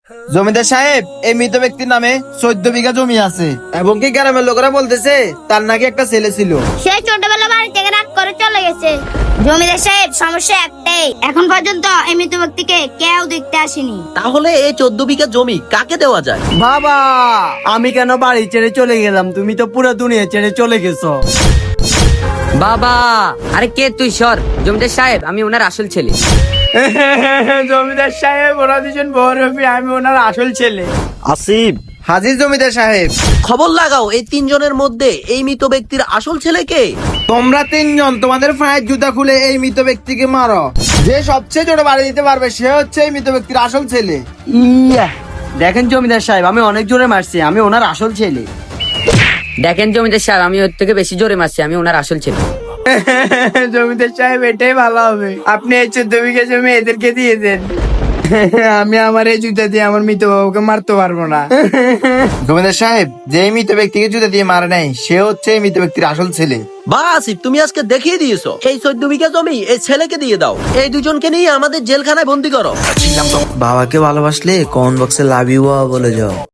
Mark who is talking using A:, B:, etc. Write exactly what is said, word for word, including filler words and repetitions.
A: জমিদার সাহেব, এই মৃত ব্যক্তির নামে চোদ্দ বিঘা জমি আছে এবং কি গ্রামের লোকেরা বলতেছে তার নাকি একটা ছেলে ছিল।
B: সে ছোটবেলা বাড়ি থেকে রাগ করে চলে গেছে। জমিদার সাহেব, সমস্যা একটাই, এখন পর্যন্ত এই মৃত ব্যক্তিকে কেউ দেখতে আসেনি।
C: তাহলে এই চোদ্দ বিঘা জমি কাকে দেওয়া যায়?
D: বাবা, আমি কেন বাড়ি ছেড়ে চলে গেলাম? তুমি তো পুরো দুনিয়া ছেড়ে চলে গেছো।
E: বাবা, আরে কে তুই? সর। জমিদার সাহেব, আমি ওনার আসল ছেলে।
D: জমিদার সাহেব, ওরা দুজন বড়, আমি ওনার আসল ছেলে।
A: আসিফ হাজির জমিদার সাহেব।
C: খবর লাগাও, এই তিনজনের মধ্যে এই মৃত ব্যক্তির আসল ছেলে কে?
A: তোমরা তিনজন তোমাদের পায়ের জুতা খুলে এই মৃত ব্যক্তিকে মারো। যে সবচেয়ে ছোট বাড়ি দিতে পারবে সে হচ্ছে এই মৃত ব্যক্তির আসল ছেলে।
D: ইয়া, দেখেন জমিদার সাহেব, আমি অনেক জোরে মারছি, আমি ওনার আসল ছেলে।
E: দেখেন জমিদার সাহেব, আমি ওর থেকে বেশি জোরে মারছি, আমি ওনার আসল ছেলে।
D: জমিদার সাহেব, এটাই ভালো হবে, আপনি এই চোদ্দ বিঘা জমি এদেরকে দিয়ে দেন। আমি আমার এই জুতা দিয়ে আমার মৃত বাবুকে মারতে পারবো না।
A: জমিদার সাহেব, যে এই মৃত ব্যক্তিকে জুতা দিয়ে মারে নাই সে হচ্ছে এই মৃত ব্যক্তির আসল ছেলে।
C: বা আসিফ, তুমি আজকে দেখিয়ে দিয়েছো, এই চোদ্দ বিঘা জমি এই ছেলেকে দিয়ে দাও। এই দুজনকে নিয়ে আমাদের জেলখানায় বন্দি করো।
F: বাবাকে ভালোবাসলে কমেন্ট বক্সে লাভ ইউ বলে যাও।